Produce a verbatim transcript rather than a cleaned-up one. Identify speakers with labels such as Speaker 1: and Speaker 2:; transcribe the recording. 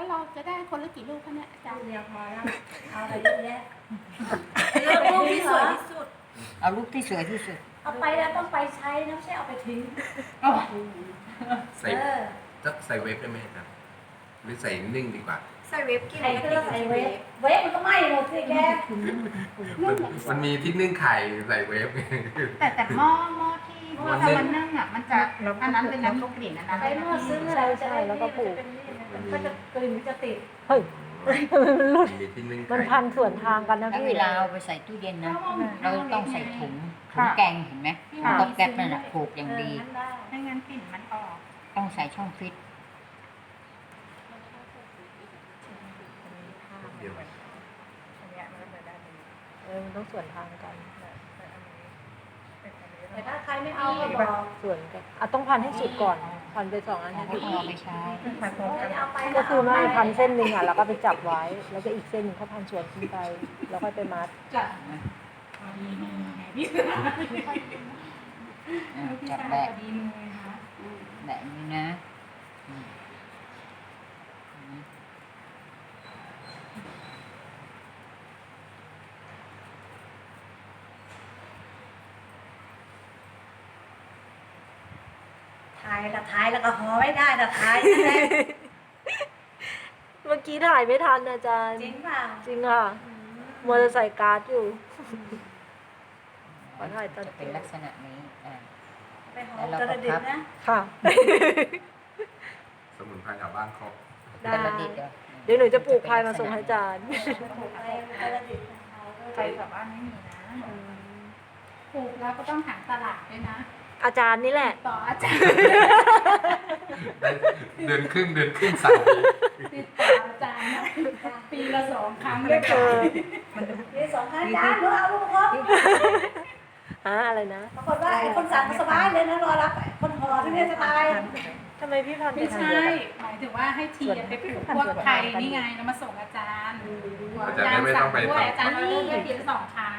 Speaker 1: แล้วเราจะได้คนละกี่ลูกคะเนี่ยอาจารย์
Speaker 2: เดียวพอแล้วเอาอะไรเยอะแยะ
Speaker 3: เลือกรูปที่สวยที่สุด
Speaker 4: เอารูปที่สวยที่สุด
Speaker 2: เอาไปแล้วต้องไปใช้นะไม่ใช่เอาไปทิ้ง
Speaker 5: ใส่
Speaker 2: เออ
Speaker 5: จะใส่เวฟได้ไหมครับหรือใส่นึ่งดีกว่า
Speaker 3: ใส่เวฟกิน
Speaker 2: ใครก็ต้องใส่เวฟเวฟมันก็ไหม้หมดสิแก
Speaker 5: มันมันมีที่นึ่งไข่ใส่เวฟ
Speaker 1: แต่แต่หม้อหม้อที่หม้อทำมันนึ่งอ่ะมันจะอันนั้นเป็นน้ำลูกกลิ่นอันนั้น
Speaker 2: ใช้หม้อซึ้งอะไรจะได้แล้วก็ปลูกก็จะกลิ่นจะติด
Speaker 6: เฮ้ยมันหลุด
Speaker 5: มีที่นึ่ง
Speaker 6: มัน
Speaker 5: ไข่
Speaker 6: พันส่วนทางกันนะ
Speaker 4: แล้ว
Speaker 6: พี่
Speaker 4: เวลาเอาไปใส่ตู้เย็นนะ เราต้องใส่ถุงถุงแกงเห็นไหมตบแก๊บนั่นแหละผูกอย่างดี
Speaker 1: ไม่งั้นกลิ่นมันออก
Speaker 4: ต้องใส่ช่องฟิต
Speaker 5: เดียว
Speaker 6: เออมันต้องส่วนทางกัน
Speaker 2: แต่ถ้าใครไม่เอาก็บอก
Speaker 6: ส่วนกันอ่ะต้องพันให้สุดก่อนพันไปสองอัน
Speaker 4: แล้ว
Speaker 6: ให้
Speaker 4: ก็
Speaker 6: สุด
Speaker 4: เอาไปใช้
Speaker 2: เอาไป
Speaker 6: ก็คือไม่พันเส้นหนึ่งอ่ะแล้วก็ไปจับไว้ แล้วก็อีกเส้นหนึ่งเขาพันส่วนขึ้นไป แล้วค่อยไปมัด
Speaker 1: จัด
Speaker 4: อ่ะ
Speaker 1: พี่
Speaker 4: จับ
Speaker 1: ชาย
Speaker 4: แบะ
Speaker 1: ดีมือค่ะ
Speaker 4: แบบนี้นะอืม
Speaker 2: ถ่ายละถ่ายแล้วก็ห่อไม่ได้ละถ่าย
Speaker 6: เมื่อกี้ถ่ายไม่ทันอาจารย์
Speaker 2: จริงเปล่า
Speaker 6: จริงค่ะมัวจะใส่การ์ดอยู่ขอถ่ายตอน
Speaker 4: จะเป็นลักษณะนี้อ่า
Speaker 2: ไปห่อกระดิ่งนะ
Speaker 6: ค่ะ
Speaker 5: สมุนไพรแถวบ้านครบ
Speaker 6: ได้
Speaker 4: เป็นระดิษฐ์เหรอ
Speaker 6: เดี๋ยวหนูจะปลูกพายมาส่งให้อาจารย์
Speaker 2: ไปกระดิ่ง
Speaker 1: ไปกับบ้านไม่มีนะปลูกแล้วก็ต้องหาตลาดด้วยนะ
Speaker 6: อาจารย์นี่แหละ
Speaker 1: ต่ออาจารย์
Speaker 5: ได้เดือนครึ่งเดือนครึ่งสามปี
Speaker 1: ติดต่ออาจารย์นะปีละสองครั้งเลย
Speaker 6: เอ
Speaker 1: ค่ะ
Speaker 6: อ
Speaker 2: มีสองข้างจานรู้เอาลูกครบ
Speaker 6: ฮะอะไรนะ
Speaker 2: ปรากฏว่าไอ้คนสั่งสบายเลยนะรอรับคนห่อที่นี่จะตาย
Speaker 6: ทำไมพี่พันธุ์ไป
Speaker 1: ไม่
Speaker 6: ทาง
Speaker 1: ใช่
Speaker 6: เดียวกัน
Speaker 1: หมายถึงว่าให้เทียนไปปลูกพวกไทยนี่ไงแล้วมาส่งอาจารย์
Speaker 5: อาจารย์ได้ไม่ต้องไป
Speaker 1: ด้วย
Speaker 5: ต่อ
Speaker 1: อาจารย์เราเลือกได้ปีละสองครั้ง